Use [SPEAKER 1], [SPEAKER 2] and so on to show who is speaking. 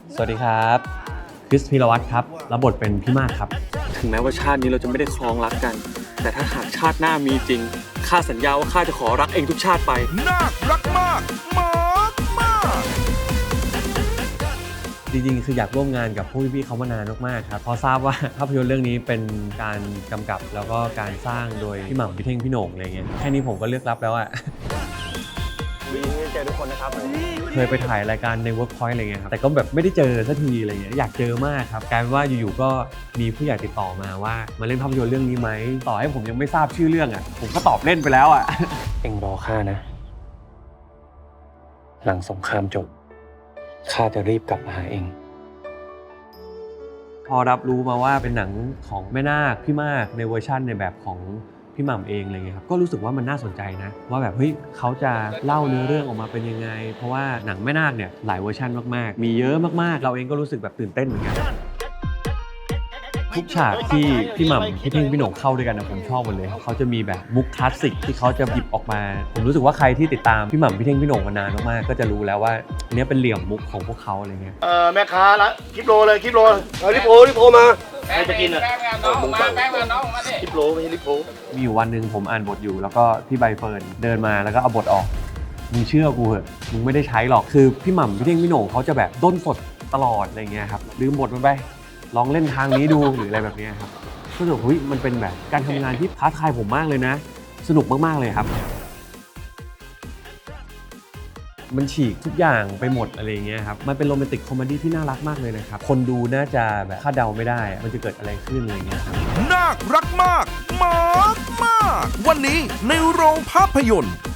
[SPEAKER 1] สวัสดีครับคริสพีรวัตรครับรับบทเป็นพี่มากครับ
[SPEAKER 2] ถึงแม้ว่าชาตินี้เราจะไม่ได้ครองรักกันแต่ถ้าหากชาติหน้ามีจริงข้าสัญญาว่าข้าจะขอรักเองทุกชาติไป
[SPEAKER 3] น่ารักมากมากมาก
[SPEAKER 1] จริงๆคืออยากร่วมงานกับพวกพี่ๆเขามานานมากๆครับพอทราบว่าภาพยนตร์เรื่องนี้เป็นการกำกับแล้วก็การสร้างโดยพี่หม่ำพี่เท่งพี่โหน่งอะไรเงี้ยแค่นี้ผมก็เลือกรับแล้วอะ
[SPEAKER 2] ดีที่เจอทุกคนนะครับ
[SPEAKER 1] เคยไปถ่ายรายการใน Workpoint อะไรเงี้ยครับแต่ก็แบบไม่ได้เจอสักทีอะไรเงี้ยอยากเจอมากครับกลายเป็นว่าอยู่ๆก็มีผู้ใหญ่ติดต่อมาว่ามาเล่นภาพยนตร์เรื่องนี้ไหมต่อให้ผมยังไม่ทราบชื่อเรื่องอ่ะผมก็ตอบเล่นไปแล้วอ่ะ
[SPEAKER 2] เอ็งรอข้านะหลังสงครามจบข้าจะรีบกลับมาหาเอ็ง
[SPEAKER 1] พอรับรู้มาว่าเป็นหนังของแม่นาคพี่มากในเวอร์ชั่นในแบบของพี่หม่ำเองอะไรเงี้ยครับก็รู้สึกว่ามันน่าสนใจนะว่าแบบเฮ้ยเขาจะเล่าเนื้อเรื่องออกมาเป็นยังไงเพราะว่าหนังแม่นาคเนี่ยหลายเวอร์ชันมากๆมีเยอะมากๆเราเองก็รู้สึกแบบตื่นเต้นเหมือนกันทุกฉากที่พี่หม่ำพี่เท่งพี่โหน่งเข้าด้วยกันนะผมชอบหมดเลยเขาจะมีแบบมุกคลาสสิกที่เขาจะหยิบออกมาผมรู้สึกว่าใครที่ติดตามพี่หม่ำพี่เท่งพี่โหน่งมานานมากๆก็จะรู้แล้วว่าอันนี้เป็นเหลี่ยมมุกของพวกเขาอะไรเงี้ย
[SPEAKER 4] แม่ค้าละคลิปโลเลยคลิปโลเอาลิโพมาใครจะกินอ่ะมึงสั่งคลิปโลไม่ใช่ลิโพ
[SPEAKER 1] มีอยู่วันหนึ่งผมอ่านบทอยู่แล้วก็พี่ใบเฟิร์นเดินมาแล้วก็เอาบทออกมึงเชื่อกูเหอะมึงไม่ได้ใช้หรอกคือพี่หม่ำพี่เท่งพี่โหน่งเขาจะแบบด้นสดตลอดอะไรเงี้ยครับลืมบทมันไปลองเล่นทางนี้ดูหรืออะไรแบบนี้ครับก็รู้สึกเฮ้ยมันเป็นแบบการทำงานที่ท้าทายผมมากเลยนะสนุกมากๆเลยครับมันฉีกทุกอย่างไปหมดอะไรเงี้ยครับมันเป็นโรแมนติกคอมเมดี้ที่น่ารักมากเลยนะครับคนดูน่าจะแบบคาดเดาไม่ได้มันจะเกิดอะไรขึ้นอะไรเงี้ยครับ
[SPEAKER 3] น่ารักมากมากมากวันนี้ในโรงภาพยนตร์